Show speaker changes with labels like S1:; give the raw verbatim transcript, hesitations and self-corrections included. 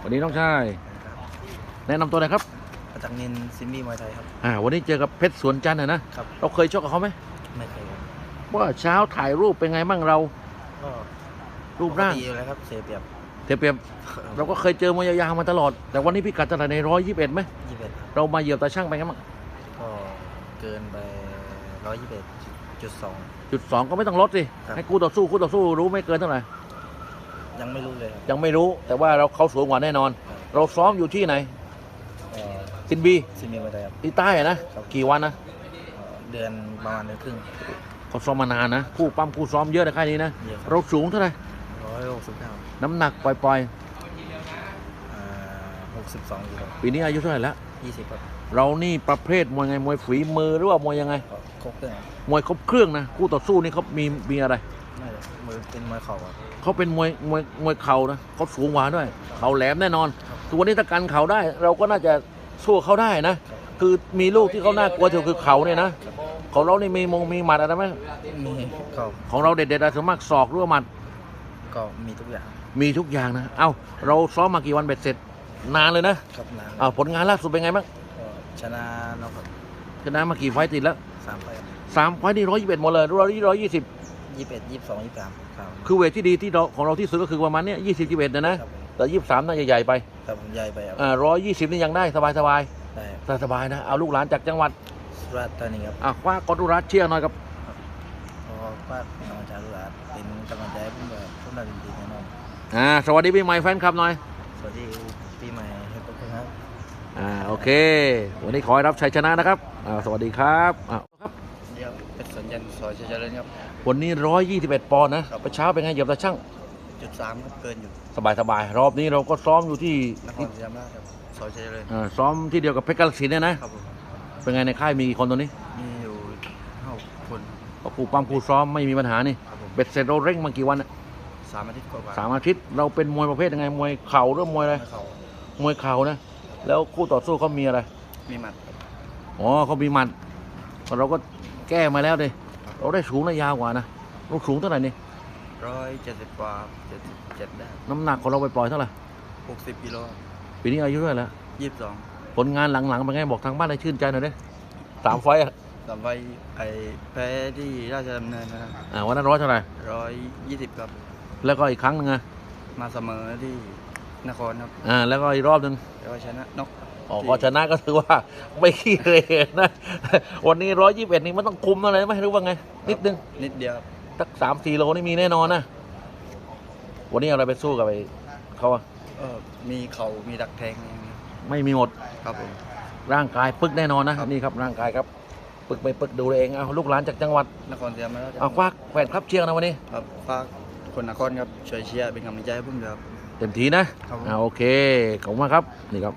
S1: วันนี้น้องชายแนะนำตัวหน่อยครับ
S2: ประจักษ์นินซิมมี่มวยไทยครับ
S1: อ่าวันนี้เจอกับเพชรสวนจันทร์นะครับเราเคยชกกับเขาไหม
S2: ไม่เคยครับ
S1: ว่าเช้าถ่ายรูปเป็นไงบ้างเรา
S2: ก็
S1: รูปร่าง
S2: ดีอยู่แล้วครับเสียเปรียบ
S1: เทียบเปรียบเราก็เคยเจอมวยยาวๆมาตลอดแต่วันนี้พี่กัดเท่าไหร่ในร้อยยี่สิบเอ็ดไหม
S2: ยี่สิบเอ็ด
S1: เรามาเหยียบตาช่างไปไงบ้าง
S2: ก็เกินไปร้อยยี่สิบเอ็ดจุดสอง
S1: จุดสองก็ไม่ต้องลดสิให้คู่ต่อสู้คู่ต่อสู้รู้ไม่เกินเท่าไหร่
S2: ยังไม่รู้เลย
S1: ยังไม่รู้แต่ว่าเราเขาสูงกว่าแน่นอนเราซ้อมอยู่ที่ไหนซินบี
S2: ซินบีมวยไทยครับ
S1: ที่ใต้นะกี่วันนะ
S2: เดือนประมาณเดือนครึ่ง
S1: เขาซ้อมมานานนะคู่ปั้มคู่ซ้อมเยอะในค่ายนี้นะเราสูงเท่าไหร่
S2: ร้อยหกสิบเก้า
S1: น้ำหนักปล่อย
S2: ๆหกสิบสองกิโล
S1: ปีนี้อายุเท่าไหร่แล้ว
S2: ยี่สิบครับ
S1: เรานี่ประเภทมวยไงมวยฝีมือหรือว่ามวยยังไง
S2: ครบเครื่อง
S1: มวยครบเครื่องนะคู่ต่อสู้นี่เขามีมีอะไร
S2: ไม่มวยเป็นมวยเข่าครับ
S1: เขาเป็นมวยมวยมวยเข่านะเขาสูงกว่าด้วยเข่าแหลมแน่นอนส่วนนี้ถ้ากันเข่าได้เราก็น่าจะสู้เขาได้นะคือมีลูกที่เขาน่ากลัวที่สุดคือเข่าเนี่ยนะของเรานี่มีมงมีหมัดอะไรไหม
S2: มีเข่า
S1: ของเราเด็ดๆอะไรส่วนมากศอกหรือว่าหมัด
S2: ก็มีทุกอย่าง
S1: มีทุกอย่างนะเอ้าเราซ้อมมากี่วันเบ็ดเสร็จนานเลยนะครับ
S2: นาน
S1: อ้าวผลงานล่าสุดเป็นไงบ้าง
S2: ชนะนอก
S1: ชนะมากี่ไฟต์ติดแล้ว
S2: สามไฟต์
S1: สามไฟต์นี่ร้อยยี่สิบเอ็ดหมดเลยร้อยร้อยยี่สิบ
S2: ยี่สิบเอ็ดยี่สิบสองยี่สิบสาม
S1: คือเวทที่ดีที่เราของเราที่สุดก็คือประมาณเนี้ยยี่สิบยี่สิบเอ็ดนะนะแต่ยี่สิบสามน่าจะใหญ่ไป
S2: ครับใหญ่ไป
S1: อ่าร้อยยี่สิบนี่ยังได้สบายสบาย
S2: ได้
S1: สบายนะเอาลูกหลานจากจังหวัด
S2: สุราษฎร์ธานีครับ
S1: อ่ะคว้ากอดุรัสเชียร์หน่อยครับ
S2: ขอคว้าธรรมชาติสุราษฎร์เป็นกำลังใจให้ผมแบบทุกนาทีแน่นอน
S1: อ่าสวัสดีปีใหม่แฟนคลับหน่อย
S2: สวัสดีปีใหม่ให้ทุกคนครับ
S1: อ่าโอเควันนี้ขอให้รับชัยชนะนะครับอ่าสวัสดีครับอ่าครับ
S2: เดี๋ยวเป็นสัญญาณสอยเจริญครับ
S1: วันนี้ร้อยยี่สิบเอ็ดปอนด์นะประเช้าเป็นไงเหยียบตาช่าง
S2: จุดสามครับเกินอยู่
S1: สบายสบายรอบนี้เราก็ซ้อมอยู่ที่
S2: นครศรีธรรมราชครับสอยเจริญ
S1: อ่าซ้อมที่เดียวกับเพชรกาฬสินธุ์เนี่ยนะครับเป็นไงในค่ายมีกี่คนตัวนี้
S2: มีอยู่ห้าคน
S1: ก็คู่ปั้มคู่ซ้อมไม่มีปัญหานี่เบ็ดเสร็จเราเร่งมากี่วัน
S2: สามอาทิตย์กว่า
S1: สามอาทิตย์เราเป็นมวยประเภทยังไงมวยเข่าหรือมวยอะไรมวยเข่านะแล้วคู่ต่อสู้เขามีอะไร
S2: มีหมัด
S1: อ๋อเขามีหมัดเราก็แก้มาแล้วดิเราได้สูงและยาวกว่านะเราสูงเท่าไหร่นี่
S2: ร้อยเจ็ดสิบกว่าเจ็ดสิบเจ็ดได้
S1: น้ำหนักของเราไปปล่อยเท่าไหร่
S2: หกสิบกิโล
S1: ปีนี้อายุเท่าไหร่แล้ว
S2: ยี่สิบสอง
S1: ผลงานหลังๆเป็นไงบอกทางบ้านให้ชื่นใจหน่อยดิสามไฟต์
S2: สามไฟต์ไอ้แพ้ที่ราชดำเนินนะครับ
S1: อ่าวันนั้นร้อยเท่าไหร่
S2: ร้อยยี่สิบครับ
S1: แล้วก็อีกครั้งนึงไง
S2: มาเสมอที่นครครับ
S1: อ่าแล้วก็อีกรอบนึง
S2: แล้วก็ชนะนก
S1: อ๋อก็ชนะก็ถือว่าไม่ขี้เหร่นะวันนี้ร้อยยี่สิบเอ็ดนี่มันต้องคุมอะไรไหมหรือว่าไงนิดนึง
S2: นิดเดียว
S1: สักสามสี่โลนี่มีแน่นอนนะวันนี้อะไรไปสู้กับไอ้เขาอะ
S2: เออมีเข่ามีดักแทง
S1: ไม่มีหมด
S2: ครับผม
S1: ร่างกายปึกแน่นอนนะนี่ครับร่างกายครับปึกไปปึกดูเองเอาลูกหลานจากจังหวัด
S2: นครศรีธรรมราช
S1: เอาควักแฟนครับเชียร์นะวันนี้
S2: ครับฝากคนนครครับช่วยเชียร์เป็นกำลังใจให้ผมด้วยครับ
S1: เต็มทีนะอ่าโอเคขอบคุณมากครับนี่ครับ